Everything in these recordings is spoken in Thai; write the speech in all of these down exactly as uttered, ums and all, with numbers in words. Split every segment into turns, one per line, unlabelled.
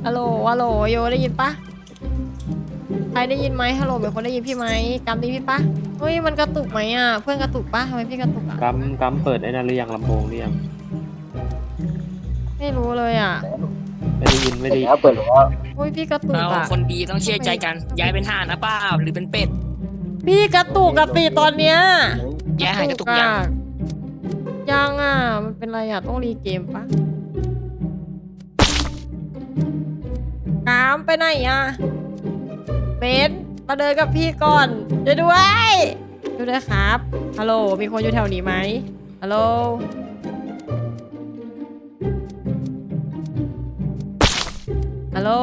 ฮัลโหลฮัลโหลโยได้ยินปะใครได้ยินไหมฮัลโหลเป็นคนได้ยินพี่ไหมกำได้พี่ปะเฮ้ยมันกระตุกไหมอ่ะเพื่อนกระตุกปะทำไมพี่กระตุกอ่ะ
กัมกัมเปิดไอ้นั่นหรือยังลำโพงหรือยัง
ไม่รู้เลยอ่ะ
ไม่ได้ยินไม่ได้ยิน
เปิดแล้ว
เฮ้ยพี่กระตุก
เรา
อ่ะ
คนดีต้องเชื่อใจกันย้ายเป็นห่านนะเปล่าหรือเป็นเป็ด
พี่กระตุกกระตีตอนเนี้ย
ย้ายหายกระตุกยัง
ยังอ่ะมันเป็นไรอ่ะต้องรีเกมปะกามไปไหนอ่ะเบนมาเดินกับพี่ก่อนช่วยด้วยช่วยด้วยครับฮัลโหลมีคนอยู่แถวนี้ไหมฮัลโหลฮัลโหล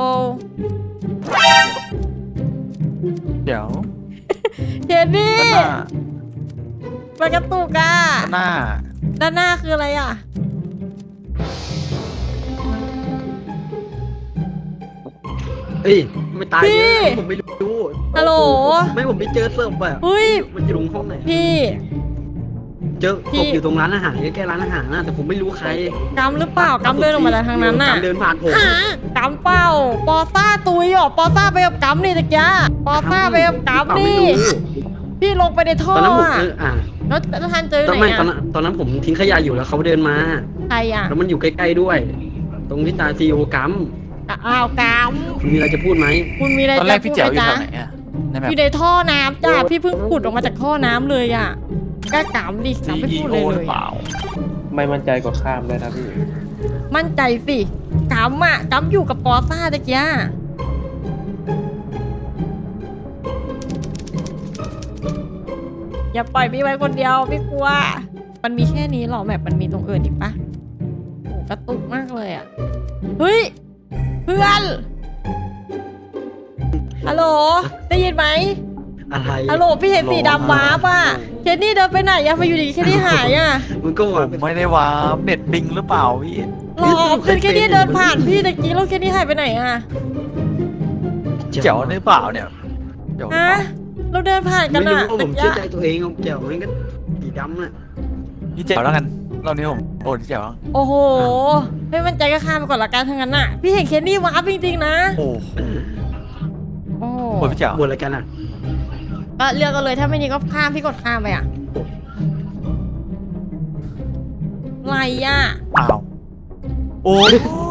เดี๋ยว
เจนนี่
ด้านหน้า
มันกระตุกอ่ะ
ด้านหน้า
ด้านหน้าคืออะไรอ่ะ
เอ้ยไม่ตาย
พี่
เนี่ยผมไม่รู้
ฮัลโหล
ไม่ผมไปเจอศพอะ
เฮ้ย
มันอยู่ตรงห้องไหน
พี่
เจอ
พี่
ศพอยู่ตรงร้านอาหารใกล้ๆร้านอาหารนะแต่ผมไม่รู้ใคร
กำหรือเปล่ากำเดินออกมาจากทางนั้นน่ะ
กำเดินผ่านผม
กำเป้าปอซ่าตุยเหรอปอซ่าไปกับกำนี่ตะกี้ปอซ่าไปกับกำนี่
ไม่รู้
พี่ลงไปในท่อ
ตอนนั้นผม
อ่ะ
เอออ่ะ
แล้วแล้วท่านเจอ
ตอน
ไหน
ไม่ตอน
อ่ะ
นั้นตอนนั้นผมทิ้งขยะอยู่แล้วเขาเดินมา
ใครอ่ะ
แล้วมันอยู่ใกล้ๆด้วย ตรงที่ตาซีโอกัม
อ้าวก
คุณมีอะไรจะพูดไหม
ำคุณมีอะไร
ตอนแร
จะ
กพี่
พูด
แจ๋ว
ไหม
อยู่
จ๊ะ
แถวไหนอะในแบ
อบ ยู่ในท่อน้ำจ้ะพี่เพิ่งขุดออกมาจากท่อน้ำเลยอ่ะกล้ากำดิ
ซี
กำไม่
อี
พูด
โอ
เลย
ห
เล
รือย เปล่า
ไม่มั่นใจกดข้ามเลยนะพี่
มั่นใจสิกำอ่ะกำอยู่กับปอซ่าตะกี้อย่าปล่อยพี่ไว้คนเดียวพี่กลัว มันมีแค่นี้หรอแบบมันมีตรงอื่นอีกปะโอ้กระตุกมากเลยอ่ะเฮ้ยเพื่อนฮัลโหลได้ยินไหม
อะไร
ฮัลโหลพี่เห็นสีดำว้าป่ะเคนนี่เดินไปไหนอะมาอยู่ดีเคนนี่หายอะ
มันก็
ผ
ว่าม
ไม่ได้วาร์ปเน็ตปิงหรือเปล่าพี่
รอเพื่อนเคนนี่เดินผ่านพี่ตะกี้แล้วเคนนี่หายไปไหนอะ
แจ๋วหรือเปล่าเนี่ยแจ๋วหรือ
ฮะ
เปล่า
เราเดินผ่านกัน
ไม่รู้
อะ
ว่าผ
ตะ
ม
กี้
เชื่อใจตัวเองเกี่ยวมันก็สีดำน่ะ
พี่แจ๋วแล้วกันรอบนี้ผมโอ้พี่แจ๋ว
โอ้โหไม่มั่นใจก็ข้ามไปก่อนละกันทั้งนั้นอะพี่เห็นเคนนี่ว้าจริงๆนะ
โอ้โห
โอ้โห
โอ้พี่แจ๋ว
บนอะไรกันอ่ะ
ก็เลือกกันเลยถ้าไม่นี้ก็ข้ามพี่กดข้ามไปอะไรอะ
อ้าวโอ้ย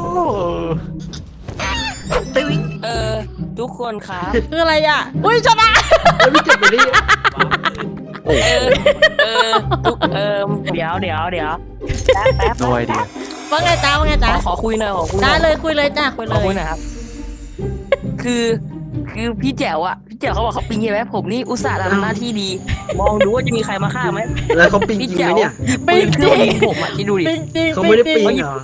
เออทุกคนครับ
คืออะไรอะอุ้ยชนะ
เอ้ยพี่เจ็บไปดิ
โอ้
เออเออทุกเออเดี๋ยวเดี๋ยวเดี๋ยวแป๊บแป๊บ
โนไอเดีย
ว่าไงจ้าว่าไง
ข
จ้า
อขอคุยหน่อยขอคุยหน่
ได้
อย
เลยคุยเลยจ้าคุย
ข
เล
อย คุยหน่อยครับ คือคือพี่แจ๋วอะพี่แจ๋วเขาบอกเขาปิงใช่ไหมผมนี่อุตส่าห์ทำหน้าที่ดี มองดูว่าจะมีใครมาฆ่าไหม
แล้วเขาปิงจริ
พี่
ง
แจ๋
ไหม
ว
เนี่ย
ปืนเครื่องยิงผมอะที่ดูดิ
จริงจริง
เขาไม่ได้
จริ
ปิ
ง
งเหรอ